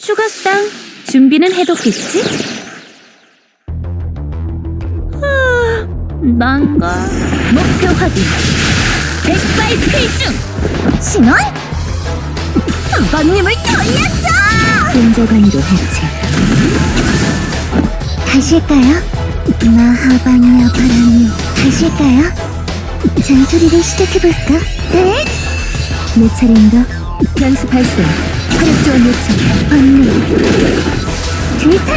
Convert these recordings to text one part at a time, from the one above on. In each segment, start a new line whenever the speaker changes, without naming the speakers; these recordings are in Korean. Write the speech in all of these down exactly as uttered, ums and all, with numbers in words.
추가 수당 준비는 해뒀겠지? 아, 난가. 목표 확인. 백발 필중.
신원? 수건님을 돌렸어!
근저관이로 해체.
다시 할까요? 마하바니아 바람이 다시 할까요? 잔소리를 시작해볼까? 네?
내 차례인가? 변수 발생. 화력 지원 요청.
언니 둘셋!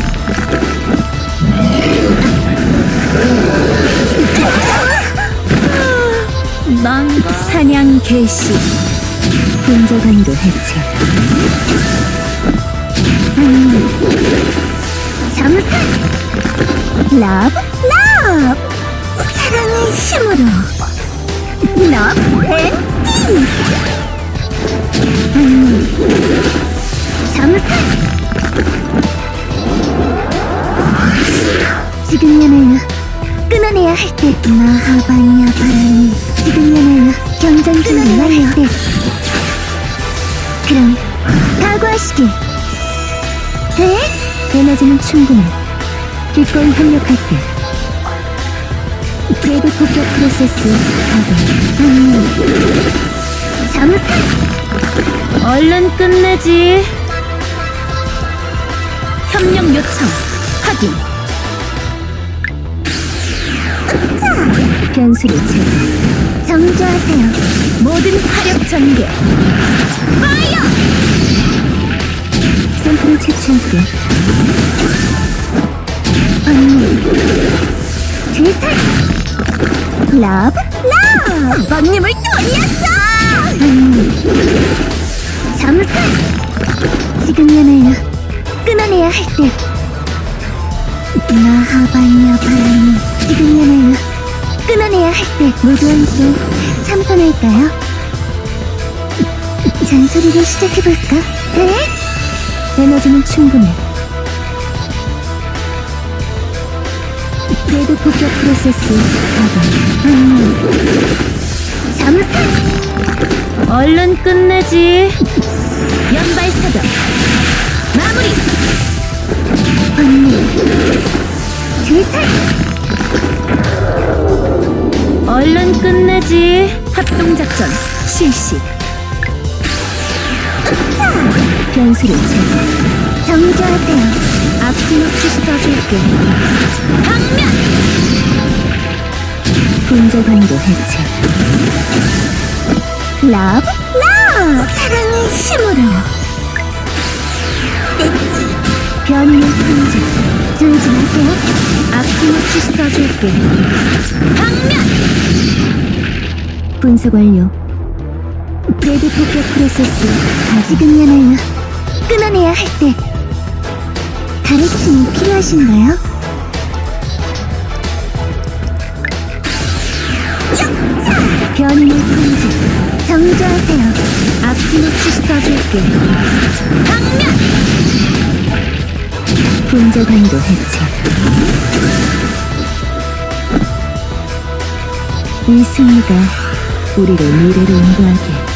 난가. 사냥 개시. 근저관이로 해체.
언니 잠수! 러브 러브! 사랑의 힘으로 러브 앤 피스! 언니 잠수! 지금이야말로 끊어내야 할 때 마하바니아 바람이 지금이야말로 경전 준비해야 할 때 그럼 각오하시길. 에?
에너지는 충분해. 기꺼이 협력할게. 브레이드 폭격 프로세스 가동.
언니 잠수!
얼른 끝내지. 협력 요청 확인. 변수를 제거.
정조하세요.
모든 화력 전개. 파이어! 샘플을 채취할게.
언니 둘셋! 러브 러브! 수건님을 돌렸어! 언니 잠수! 지금이야말로 끊어내야 할 때 마하바니아 바람이 지금이야말로 끊어내야 할 때 모두 함께 참선할까요? 잔소리를 시작해볼까? 네?
에너지는 충분해. 브레이드 폭격 프로세스 가동.
언니 잠수!
얼른 끝내지. 연발 사격. 마무리.
언니 둘셋!
얼른 끝내지. 합동작전 실시. 변수를 제거.
정조하세요.
아낌없이 써줄게. 방면. 분자관이로 해체.
러브 러브! 사랑의 힘으로
변이는 혼자.
졸지 마세요.
아낌없이 써줄게. 방면. 분석 완료. 브레이드 폭격 프로세스
지금이야말로 끊어내야 할 때 가르침이 필요하신가요?
변이는 혼자.
정조하세요.
아낌없이 써줄게. 방면. 분자관이로 해체. 이 승리가 우리를 미래로 인도하게.